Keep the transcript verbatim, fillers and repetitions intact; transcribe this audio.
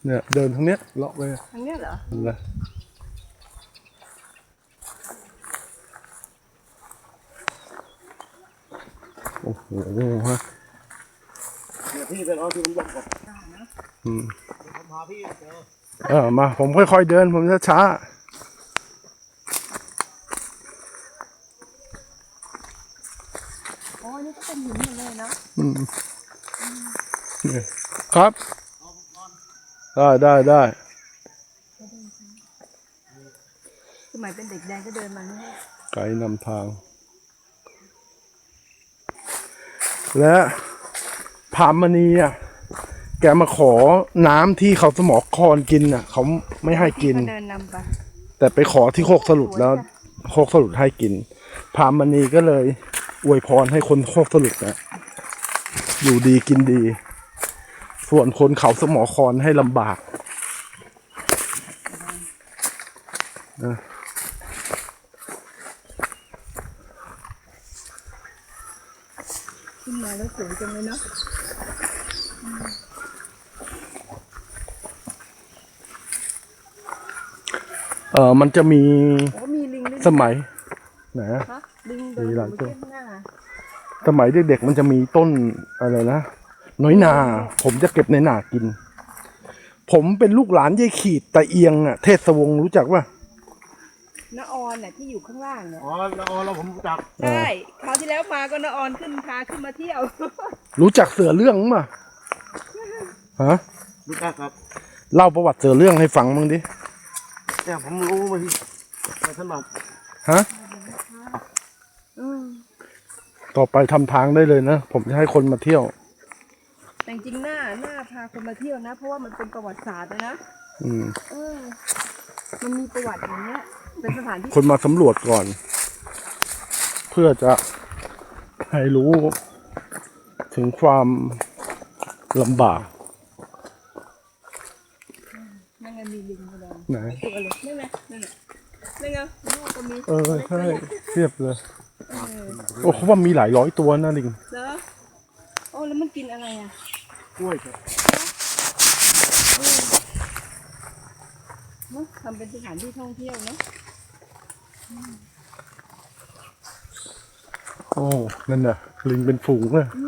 เนี่ยเดินทางเนี้ยเลาะไปทางเนี้ยเหรอเลยโอ้โหฮะพี่เป็นเอาที่ผมบอกก่อนอืมผมพาพี่เจอเออมาผมค่อยๆเดินผมช้าโอ้นี่ก็เป็นหินหมดเลยเนาะอืมครับได้ได้ได้สมัยเป็นเด็กแดงก็เดินมาเนี่ยไกด์นำทางและพามณีอ่ะแกมาขอน้ำที่เขาสมอคอนกินอ่ะเขาไม่ให้กินเดินนำไปแต่ไปขอที่โคกสลุดแล้วโคกสลุดให้กินพามณีก็เลยอวยพรให้คนโคกสลุดนะอยู่ดีกินดีส่วนคนเขาสมอคอนให้ลำบากนะขึ้นมาแล้วสวยจังเลยเนาะเออมันจะมีสมัยไหนลิงมีหลายตัวหน้าสมัยเด็กๆมันจะมีต้นอะไรนะน้อยนาผมจะเก็บในนากินผมเป็นลูกหลานยายขีดตะเอียงอ่ะเทศวงศ์รู้จักป่ะน้าออนน่ะที่อยู่ข้างล่างเนี่ยอ๋อน้าออนเราผมรู้จักใช่คราวที่แล้วมาก็น้าออนขึ้นพาขึ้นมาเที่ยวรู้จักเสือเรื่องมั้ยฮะรู้จักครับเล่าประวัติเสือเรื่องให้ฟังบ้างดิเนี่ยผมรู้มาที่มาถนัดฮะต่อไปทำทางได้เลยนะผมจะให้คนมาเที่ยวแต่จริงหน้าหน้าพาคนมาเที่ยวนะเพราะว่ามันเป็นประวัติศาสตร์นะอืมเออมันมีประวัติอย่างเงี้ยเป็นสถานที่คนมาสำรวจก่อนเพื่อจะให้รู้ถึงความลำบากนั่นไงมีลิงแสดงไหนตัวเลยนั่นไงนั่นไงนั่นไงลูกก็มีเออใช่เทียบเลยโอ้เขาว่ามีหลายร้อยตัวนะลิงเหรอโอ้แล้วมันกินอะไรอ่ะกล้วยครับเนาะทำเป็นสถานที่ท่องเที่ยวเนาะโอ้นั่นน่ะลิงเป็นฝูงเลยอื